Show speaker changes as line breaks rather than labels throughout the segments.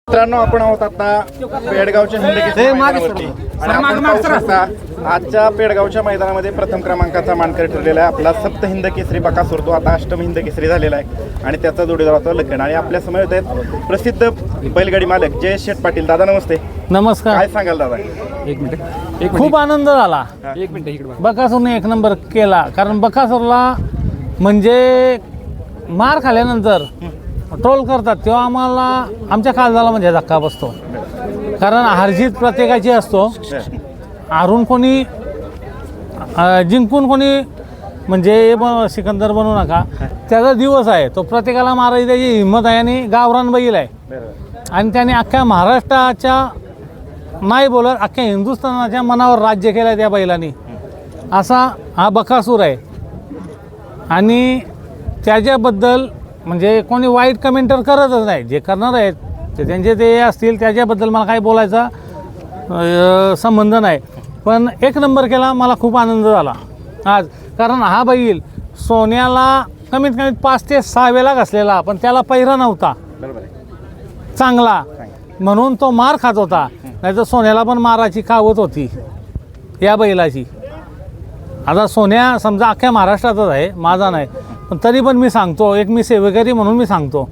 मित्रांनो, आपण आहोत आता पेडगावच्या हिंदकेसरी मैदानावरती आणि आपण पाहू शकता आजच्या पेडगावच्या मैदानामध्ये प्रथम क्रमांकाचा मानकरी ठरलेला आहे आपला सप्त हिंदकेसरी बकासूर. तो आता अष्टम हिंदकेसरी झालेला आहे आणि त्याचा जोडीदार होता लखन. आणि आपल्या समोर आहेत प्रसिद्ध बैलगाडी मालक जयेश शेठ पाटील. दादा नमस्ते.
नमस्कार.
काय सांगाल दादा?
एक मिनिट.
खूप आनंद झाला.
एक मिनिट इकडे.
बकासूरने एक नंबर केला, कारण बकासूरला म्हणजे मार खाल्यानंतर ट्रोल करतात तेव्हा आम्हाला आमच्या काळजाला म्हणजे धक्का बसतो, कारण हारजीत प्रत्येकाची असतो. हारून कोणी जिंकून कोणी म्हणजे सिकंदर बनू नका, त्याचा दिवस आहे. तो प्रत्येकाला मारायची त्याची हिंमत आहे आणि गावरान बैल आहे आणि त्याने अख्ख्या महाराष्ट्राच्या नाही बोलत अख्ख्या हिंदुस्थानाच्या मनावर राज्य केलं त्या बैलांनी. असा हा बकासूर आहे आणि त्याच्याबद्दल म्हणजे कोणी वाईट कमेंटर करतच नाही. जे करणार आहेत ते त्यांचे ते असतील, त्याच्याबद्दल मला काही बोलायचा संबंध नाही. पण एक नंबर केला, मला खूप आनंद झाला आज, कारण हा बैल सोन्याला कमीत कमी 5 ते 6 वेळा घसलेला, पण त्याला पहिरा नव्हता चांगला, म्हणून तो मार खात होता. नाही तर सोन्याला पण माराची कावत होती या बैलाची. आता सोन्या समजा अख्ख्या महाराष्ट्रातच आहे, माझा नाही, पण तरी पण मी सांगतो, एक मी सेवेकरी म्हणून मी सांगतो.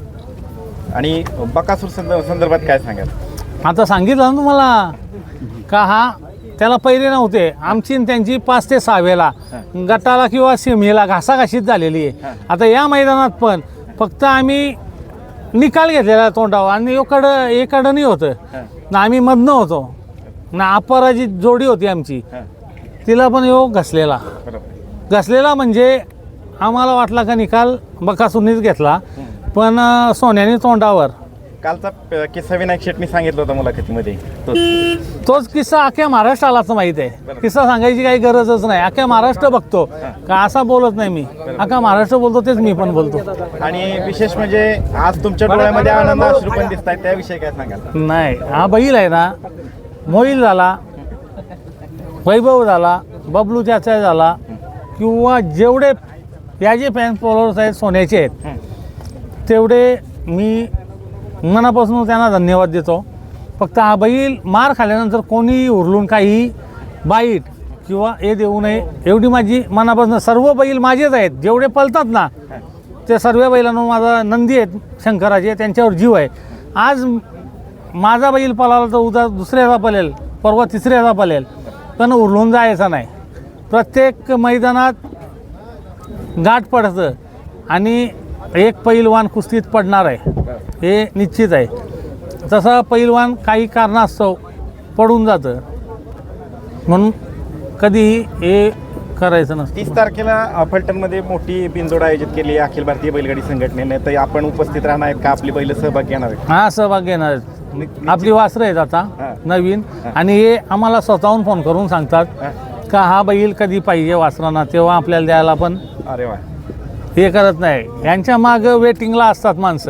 आणि बकासूर संदर्भात काय सांगाल?
आता सांगितलं ना तुम्हाला का हा त्याला पहिरे नव्हते. आमची आणि त्यांची 5 ते 6 वेळा गटाला किंवा सीमेला घासाघाशीत झालेली आहे. आता या मैदानात पण फक्त आम्ही निकाल घेतलेला तोंडावर आणि एकडं नाही होतं ना, आम्ही मधनं होतो ना. अपराजित जोडी होती आमची, तिला पण योग घसलेला म्हणजे आम्हाला वाटला का निकाल बकासूरनीच घेतला, पण सोन्याने तोंडावर.
कालचा किस्सा विनायक शेटनी सांगितलं होतं मुलाखतीमध्ये,
तोच किस्सा अख्ख्या महाराष्ट्रालाच माहीत आहे. किस्सा सांगायची काही गरजच नाही, अख्ख्या महाराष्ट्र बघतो का. असा बोलत नाही मी, अख्खा महाराष्ट्र बोलतो तेच मी पण बोलतो.
आणि विशेष म्हणजे आज तुमच्या डोळ्यामध्ये आनंद अश्रू पण दिसत आहेत, त्याविषयी काय सांगाल?
नाही, हा बैल आहे ना, मोईल झाला, वैभव झाला, बबलू त्याचा झाला, किंवा जेवढे याचे फॅन फॉलोअर्स आहेत सोन्याचे आहेत, तेवढे मी मनापासून त्यांना धन्यवाद देतो. फक्त हा बैल मार खाल्यानंतर कोणी उरलून काही बाईट किंवा हे देऊ नये एवढी माझी मनापासून. सर्व बैल माझेच आहेत, जेवढे पळतात ना ते सर्व बैलांना माझा नंदी आहेत शंकराचे, त्यांच्यावर जीव आहे. आज माझा बैल पळाला तर उद्या दुसऱ्याचा पळेल, परवा तिसऱ्याचा पळेल, पण उरलून जायचा नाही. प्रत्येक मैदानात गाठ पडतं आणि एक पैलवान कुस्तीत पडणार आहे हे निश्चित आहे. तसा पैलवान काही कारणास्तव पडून जातं, म्हणून कधीही हे करायचं नसतं.
30 तारखेला फलटणमध्ये मोठी बिनजोड आयोजित केली आहे अखिल भारतीय बैलगाडी संघटनेने. तर आपण उपस्थित राहणार आहेत का? आपली बैल सहभाग घेणार आहेत?
हा, सहभाग घेणार आहेत. आपली वासरं आहेत आता नवीन, आणि हे आम्हाला स्वतःहून फोन करून सांगतात का हा बैल कधी पाहिजे वासरांना, तेव्हा आपल्याला द्यायला पण
अरे वा
हे करत नाही. यांच्या मागं वेटिंगला असतात माणसं,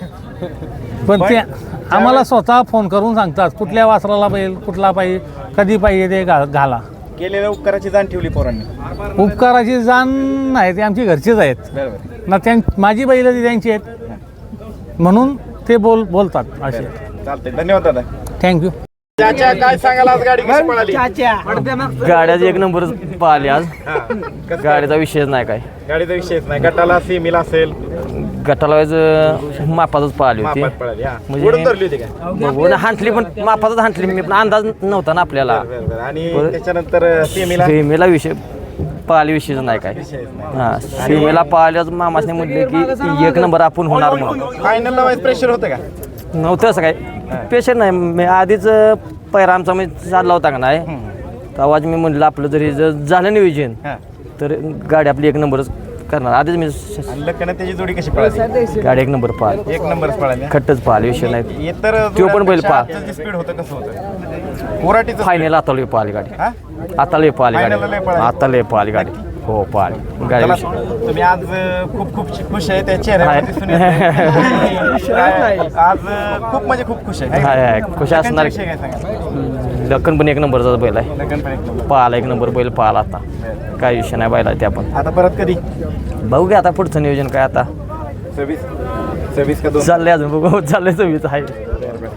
पण ते आम्हाला स्वतः फोन करून सांगतात कुठल्या वासराला बैल कुठला पाहिजे, कधी पाहिजे ते घाला.
केलेल्या उपकाराची जाण ठेवली पोरांनी.
उपकाराची जाण नाही, ते आमची घरचीच आहेत ना. माझी बैल ती त्यांची आहेत, म्हणून ते बोलतात असे.
चालतंय, धन्यवाद दादा.
थँक्यू.
चाचा, काय सांगाल आज गाडी कशी पळाली?
गाड्याच एक नंबर पाहिली आज. गाडीचा विषयच नाही काय.
गाडीचा विषयच नाही. गटाला सीमेला असेल,
गटाला मापातच पाहिली होती,
मापात पळाली. हा.
म्हणजे
उडून धरली होती काय?
बघून हांटली, पण मापातच हांटली. मी पण अंदाज नव्हता ना आपल्याला.
आणि त्याच्यानंतर सीमेला
सीमेला विषय पाहिली, विषयच नाही काय. हा, सीमेला पाहिल्याच मामासने म्हटले की एक नंबर आपण होणार म्हणून.
फायनलला वाईज प्रेशर होतं का?
नव्हतं असं काय पेशंट नाही. मी आधीच पैरा आमचा मी चालला होता का नाही, तेव्हाच मी म्हटलं आपलं जरी जर झालं नियोजन तर गाडी आपली एक नंबरच करणार. आधीच मी
लग्न त्याची जोडी कशी पळाली?
गाडी एक नंबर पाहिल,
एक नंबरच पळाली.
खट्टच पाहिल, विषय नाही.
इतर
तो पण बैल पाहिल.
स्पीड होतं कसं होतं? कोराटीचं
फायनल आता लय पाहिली गाडी, आता लय पाहिली गाडी, आता लय पाहिली गाडी. हो, पाहिली गाडी.
तुम्ही आज खूप खुश आहे, त्या चेहऱ्यावरती दिसून येतंय. आज खूप म्हणजे खूप खुश आहे.
खुश असणार.
काय सांगा?
लखन पण एक नंबरचा बैल आहे,
लग्न पण एक नंबर.
पाहिला एक नंबर बैल पाहिला. आता काय विषय नाही बैला ते. आपण
आता परत कधी
बघू घ्या आता पुढचं नियोजन काय. आता
26 का 2
चाललंय, अजून बघू चाललंय 26 आहे.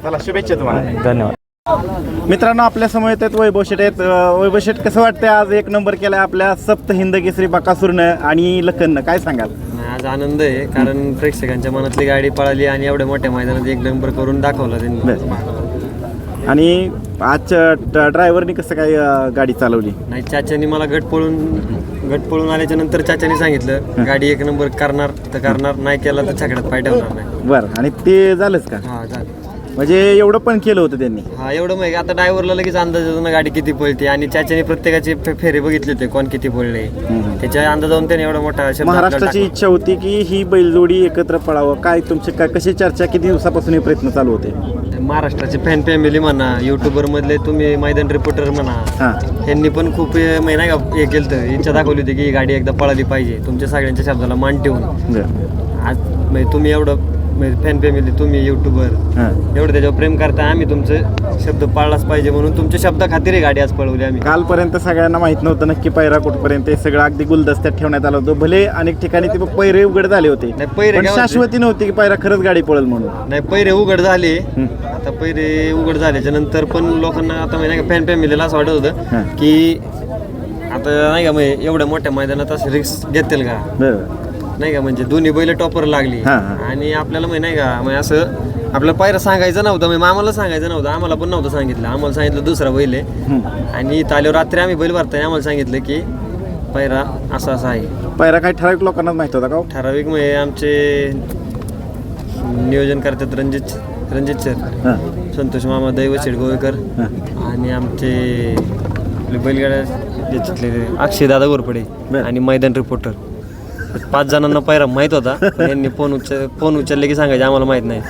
चला शुभेच्छा तुम्हाला.
धन्यवाद.
मित्रांनो आपल्या समोर येतात वैभव शेट आहेत. वैभव शेट कसं वाटतंय आज एक नंबर केलाय आपल्या सप्त हिंद केसरी बकासूरनं आणि लखननं, काय सांगाल?
आज आनंद आहे कारण प्रेक्षकांच्या मनातली गाडी पळाली आणि एवढ्या मोठ्या मैदानात एक नंबर करून दाखवला त्यांनी.
आणि आजच्या ड्रायव्हरनी कसं काय गाडी चालवली?
नाही, चाच्यानी मला गट पळून आल्याच्या नंतर चाच्यानी सांगितलं गाडी एक नंबर करणार तर करणार, नाही केला तर छकड्यात पाय ठेवणार नाही.
बरं, आणि ते झालंच का?
हा झालं.
म्हणजे एवढं पण केलं होतं त्यांनी?
हा एवढं माहिती आता ड्रायव्हरला लगेच अंदाज येतो ना गाडी किती पळते आणि चाच्यानी प्रत्येकाचे फेरे बघितले होते कोण किती पळले, त्याच्या अंदाजावरून त्याने एवढा मोठा शब्द
महाराष्ट्राची इच्छा होती की ही बैलजोडी एकत्र पळावं. काय तुमचे काय कशी चर्चा, किती दिवसापासून हे प्रयत्न चालू होते?
महाराष्ट्राचे फॅन फॅमिली म्हणा, युट्यूबर मधले तुम्ही मैदान रिपोर्टर म्हणा, यांनी पण खूप नाही का हे केलं तर इच्छा दाखवली होती की ही गाडी एकदा पळाली पाहिजे. तुमच्या सगळ्यांच्या शब्दाला मान ठेवून आज म्हणजे तुम्ही एवढं फॅन फॅमिली, तुम्ही युट्यूबर एवढं त्याच्यावर प्रेम करता, आम्ही तुमचं शब्द पाळलाच पाहिजे म्हणून तुमच्या शब्दा खातीर गाडी आज पळवली आम्ही.
कालपर्यंत सगळ्यांना माहित नव्हतं नक्की पैरा कुठपर्यंत, हे सगळं अगदी गुलदस्त्यात ठेवण्यात आलं होतं. भले अनेक ठिकाणी ते पैरे उघड झाले होते,
नाही, पैरे
पण
काय
शाश्वती नव्हती की पैरा खरंच गाडी पळेल म्हणून.
नाही, पैरे उघड झाले. आता पैरे उघड झाल्याच्या नंतर पण लोकांना आता नाही का फॅन फॅमिलीला असं वाटत होतं की आता नाही का म्हणजे एवढ्या मोठ्या मैदानात असं रिस्क घेतील का, नाही का, म्हणजे दोन्ही बैल टॉपर लागली आणि आपल्याला म्हणजे नाही का म्हणजे असं आपल्याला पायरा सांगायचं नव्हतं, म्हणजे आम्हाला सांगायचं नव्हतं, आम्हाला पण नव्हतं सांगितलं. आम्हाला सांगितलं दुसरा बैल आहे आणि इथं आल्यावर रात्री आम्ही बैल भरताय आम्हाला सांगितलं की पायरा असा असा आहे.
पायरा काही ठराविक लोकांना माहित होता का?
ठराविक म्हणजे आमचे नियोजन करतात रणजित सर, संतोष मामा दैवशेठ गोवेकर आणि आमचे बैलगाड्या अक्षय दादा गोरपडे आणि मैदान रिपोर्टर. 5 जणांना पायरा माहित होता, यांनी फोन उचलले की सांगायचे आम्हाला माहित नाही.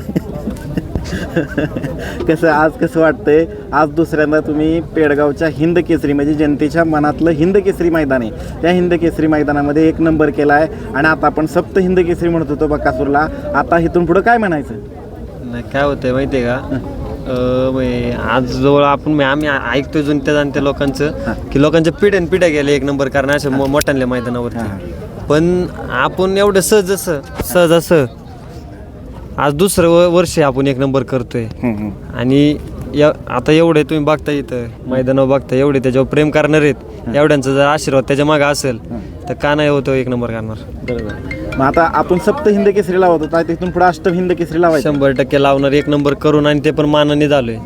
कसं वाटतंय आज दुसऱ्यांदा तुम्ही पेडगावच्या हिंद केसरी म्हणजे जनतेच्या मनातलं हिंद केसरी मैदान आहे, त्या हिंद केसरी मैदानामध्ये एक नंबर केला आहे आणि आता आपण सप्त हिंद केसरी म्हणत होतो बकासूरला, आता इथून पुढं काय म्हणायचं?
नाही, काय होतंय माहिती आहे का, आज जवळ आपण आम्ही ऐकतोय जाणत्या लोकांचं की लोकांच्या पिढ्या गेल्या एक नंबर करणार अशा मोठ्यांल्या मैदानावरती, पण आपण एवढं सहज असं आज दुसरं वर्ष आपण एक नंबर करतोय आणि आता एवढे तुम्ही बघता इथं मैदानावर बघता एवढे त्याच्यावर प्रेम करणार आहेत, एवढ्यांचा जर आशीर्वाद त्याच्या मागे असेल तर का नाही होतो एक नंबर करणार.
बरोबर. मग आता आपण सप्त हिंद केसरी लावत होता, तिथून पुढे अष्ट हिंद केसरी लावायचं?
100% लावणार एक नंबर करून आणि ते पण मानाने झालोय.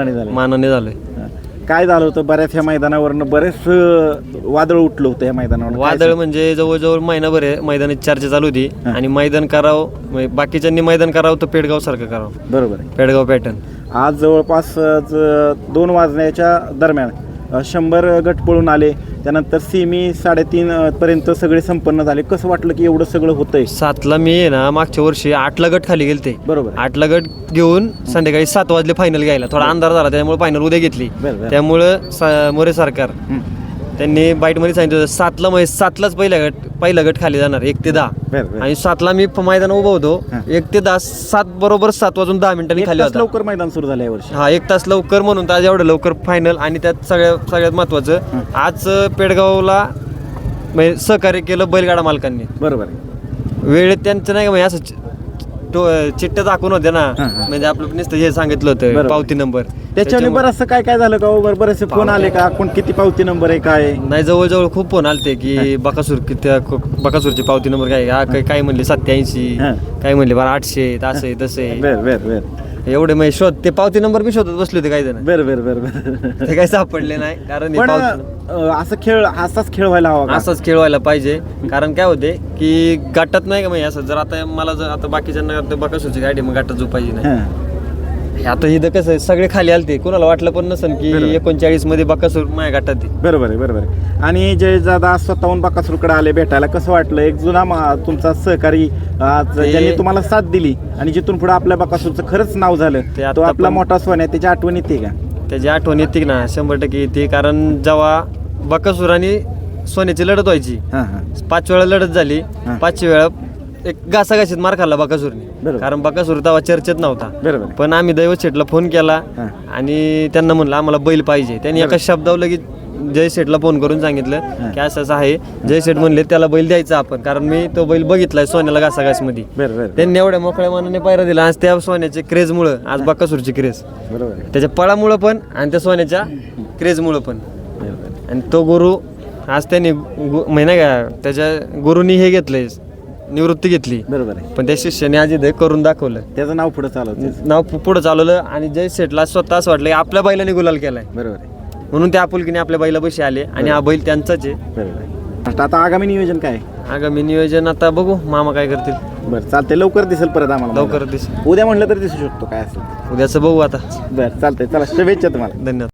काय झालं होतं बऱ्याच ह्या मैदानावरनं बरेच वादळ उठलं होतं या मैदानावर?
वादळ म्हणजे जवळजवळ महिनाभर मैदानाची चर्चा चालू होती आणि मैदान करावं बाकीच्यांनी मैदान करावं तर पेडगाव सारखं करावं.
बरोबर,
पेडगाव पॅटर्न.
आज जवळपास 2 वाजण्याच्या दरम्यान 100 गट पळून आले, त्यानंतर सेमी 3:30 पर्यंत सगळे संपन्न झाले. कसं वाटलं की एवढं सगळं होतंय?
7ला मी आहे ना मागच्या वर्षी 8ला गट खाली गेलते.
बरोबर.
8ला गट घेऊन संध्याकाळी 7 वाजले फायनल घ्यायला, थोडा अंधार झाला त्यामुळे फायनल उद्या घेतली. त्यामुळं मोरे सरकार त्यांनी बाईटमध्ये सांगितलं 7ला म्हणजे 7लाच पहिला गट खाली जाणार 1 ते 10 आणि 7ला मी मैदान उभं होतो 1 ते 10 7 बरोबर 7 वाजून 10 मिनिटांनी खाली होता.
लवकर मैदान सुरू झालं यावर्षी.
1 तास लवकर म्हणून तर आज एवढं लवकर फायनल आणि त्यात सगळ्यात महत्वाचं आज पेडगावला म्हणजे सहकार्य केलं बैलगाडा मालकांनी.
बरोबर.
वेळेत त्यांचं नाही का म्हणजे असं चिठ्ठ्या दाखवून होत्या ना, म्हणजे आपलं नुसतं हे सांगितलं होतं पावती नंबर,
त्याच्याने बरंचसं काय झालं का? बरेचसे फोन आले का? कोण किती पावती नंबर आहे काय?
नाही, जवळजवळ खूप फोन आलते की बकासूरची पावती नंबर काय काय म्हणले 87, काय म्हणले 800, असं आहे तसं आहे. एवढे म्हणजे शोध ते पावती नंबर बी शोधत बसले होते काही जण.
बरोबर.
ते काही सापडले नाही कारण
असाच खेळ व्हायला हवा,
असाच खेळ व्हायला पाहिजे. कारण काय होते की गाठात नाही का म्हणजे असं जर आता मला जर आता बाकीच्यांना बकासूरची गाडी मग गाठात झोपायची नाही. आता इथं कसं आहे सगळे खाली आलते, कोणाला वाटलं पण नसेल की 39 मध्ये बकासूर माझ्या गाठात आहे.
बरोबर आहे. आणि जय दादा स्वतःहून बकासूरकडे आले भेटायला, कसं वाटलं? एक जुना तुमचा सहकारी ज्यांनी तुम्हाला साथ दिली आणि जिथून पुढे आपल्या बकासूरचं खरंच नाव झालं, तो आपला मोठा सोन्या, त्याची आठवण येते का?
त्याची आठवण येते ना, 100% येते. कारण जेव्हा बकासूर आणि सोन्याची लढत व्हायची 5 वेळा लढत झाली, 5 वेळा एक घासाघाशीत मार खाल्ला बकासूरने, कारण बकासूर तेव्हा चर्चेत नव्हता. पण आम्ही दैवत शेठला फोन केला आणि त्यांना म्हणलं आम्हाला बैल पाहिजे. त्यांनी एका शब्दावर लगेच जय शेठला फोन करून सांगितलं की असं असं आहे. जय शेठ म्हणले त्याला बैल द्यायचा आपण, कारण मी तो बैल बघितलाय सोन्याला घासाघासमध्ये. त्यांनी एवढ्या मोकळ्या मनाने पायरा दिला. आज त्या सोन्याच्या क्रेजमुळं, आज बकासूरची क्रेज, त्याच्या पळामुळं पण आणि त्या सोन्याच्या क्रेजमुळं पण. आणि तो गुरु आज त्यांनी महिना का त्याच्या गुरुनी हे घेतलंय, निवृत्ती घेतली.
बरोबर आहे.
पण त्या शिष्याने आज इथे करून दाखवलं,
त्याचं नाव पुढे चालवतं.
नाव पुढं चालवलं. आणि जय शेठला स्वतः असं वाटलं की आपल्या बैलाने गुलाल केलाय,
बरोबर आहे.
म्हणून त्या आपुलकीने आपल्या बैला बशी आले. आणि हा बैल त्यांचाच आहे.
बरोबर आहे. आता आगामी नियोजन काय?
आगामी नियोजन आता बघू मामा काय करतील.
बरं चालतंय, लवकर दिसेल परत आम्हाला.
लवकर दिस
उद्या म्हणलं तर दिसू शकतो काय असेल.
उद्याचं बघू आता.
बरं चालतंय, चला शुभेच्छा तुम्हाला.
धन्यवाद.